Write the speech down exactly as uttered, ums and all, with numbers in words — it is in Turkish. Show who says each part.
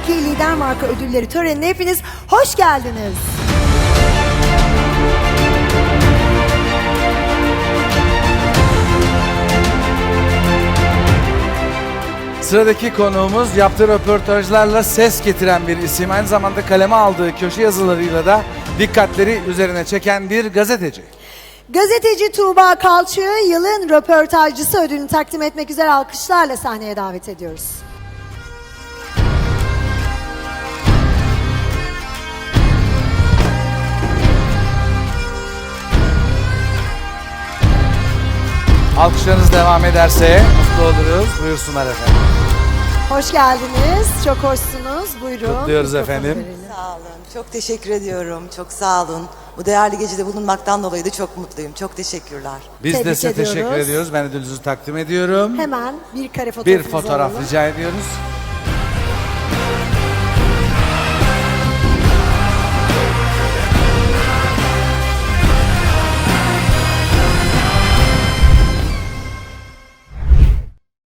Speaker 1: iki lider marka ödülleri törenine hepiniz hoş geldiniz.
Speaker 2: Sıradaki konuğumuz yaptığı röportajlarla ses getiren bir isim. Aynı zamanda kaleme aldığı köşe yazılarıyla da dikkatleri üzerine çeken bir gazeteci.
Speaker 1: Gazeteci Tuğba Kalçı'yı yılın röportajcısı ödülünü takdim etmek üzere alkışlarla sahneye davet ediyoruz.
Speaker 2: Alkışlarınız devam ederse mutlu oluruz. Buyursunlar efendim.
Speaker 1: Hoş geldiniz. Çok hoşsunuz. Buyurun.
Speaker 2: Kutluyoruz
Speaker 1: Mikrofonu
Speaker 2: efendim.
Speaker 1: verelim.
Speaker 3: Sağ olun. Çok teşekkür ediyorum. Çok sağ olun. Bu değerli gecede bulunmaktan dolayı da çok mutluyum. Çok teşekkürler.
Speaker 2: Biz de
Speaker 1: Tebrik
Speaker 2: size
Speaker 1: ediyoruz.
Speaker 2: teşekkür ediyoruz. Ben ödülünüzü takdim ediyorum.
Speaker 1: Hemen bir kare
Speaker 2: Bir
Speaker 1: fotoğrafınızı
Speaker 2: fotoğraf
Speaker 1: alalım.
Speaker 2: rica ediyoruz.